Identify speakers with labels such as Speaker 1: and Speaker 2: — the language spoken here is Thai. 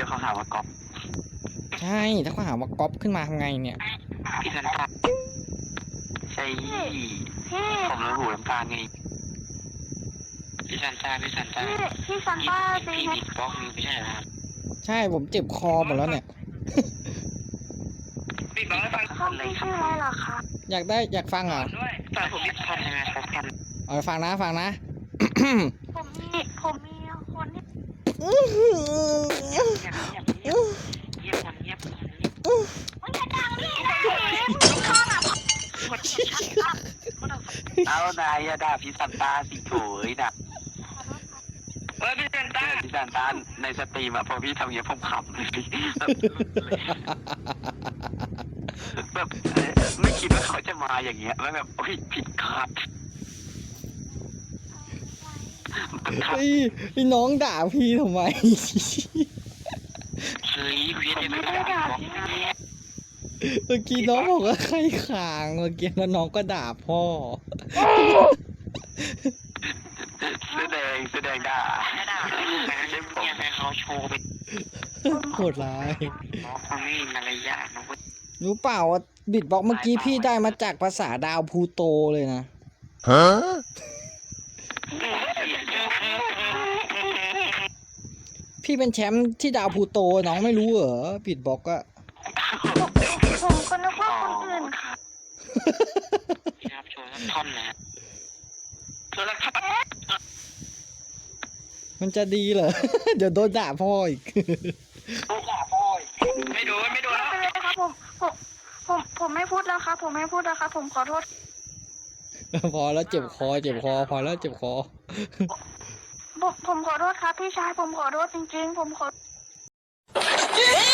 Speaker 1: เขาหาว่าก๊อป
Speaker 2: ใช่ถ้าเขาหาว่าก๊อปขึ้นมาทำไงเนี่ย
Speaker 1: พี่ซันต้าใช่ผมรู้หูน้ำตาลไงพี่ซันต้า
Speaker 3: พี่ซันต้า
Speaker 1: พี่บิดบล็อกนี่ไม่ใช่เหรอครับ
Speaker 2: ใช่ผมเจ็บคอหมดแล้วเนี่ย
Speaker 1: บิดบล็อกให้ฟังคนเลยครับ
Speaker 3: ชื่ออะไรเหรอคะ
Speaker 2: อยากฟังเหรอ
Speaker 1: แต่ผมบิดทันยังไงครับทัน
Speaker 2: เอาไปฟังนะ
Speaker 3: ผมมีคนที่
Speaker 1: เงียบมันจะดังดิเอานายอย่าด่าพี่ซันต้าสิโถยนะพี่ซันต้าในสตรีมอะพอพี่ทำอย่างนี้ผมขำเลยแบบไม่คิดว่าเขาจะมาอย่างเงี้ยแล้วแบบโอ้ยผิดคาด
Speaker 2: พี่น้องด่าพี่ทำไม
Speaker 1: เฮ้ยพี่ไม่ได้ด่า
Speaker 2: เมื่อกี้น้องบอกว่าใครขางเมื่อกี้แล้วน้องก็ด่าพ่อ
Speaker 1: แสดงด่าให้เขาโชว์ไป
Speaker 2: โหดร้าย
Speaker 1: เขาไม่มีมารยาทนะ
Speaker 2: รู้เปล่าว่าบิดบ็อกเมื่อกี้พี่ได้มาจากภาษาดาวพูโตเลยนะฮะพี่เป็นแชมป์ที่ดาวพูโตน้องไม่รู้เหรอบิดบ็อกอะ
Speaker 3: ผมก็นึกว่าคนอื่นค่ะ
Speaker 1: ครับโชว์สักท่อนนะโชว์สักท่อน
Speaker 2: มันจะดีเหรอ เดี๋ยวโดนด่าพ่ออีก
Speaker 1: ไม่โดน
Speaker 3: ไม่เป็นไรครับผมไม่พูดแล้วครับผมขอโทษ
Speaker 2: พอแล้วเจ็บคอพอแล้วเจ็บคอ
Speaker 3: ผมขอโทษครับพี่ชายผมขอโทษจริงๆผมขอ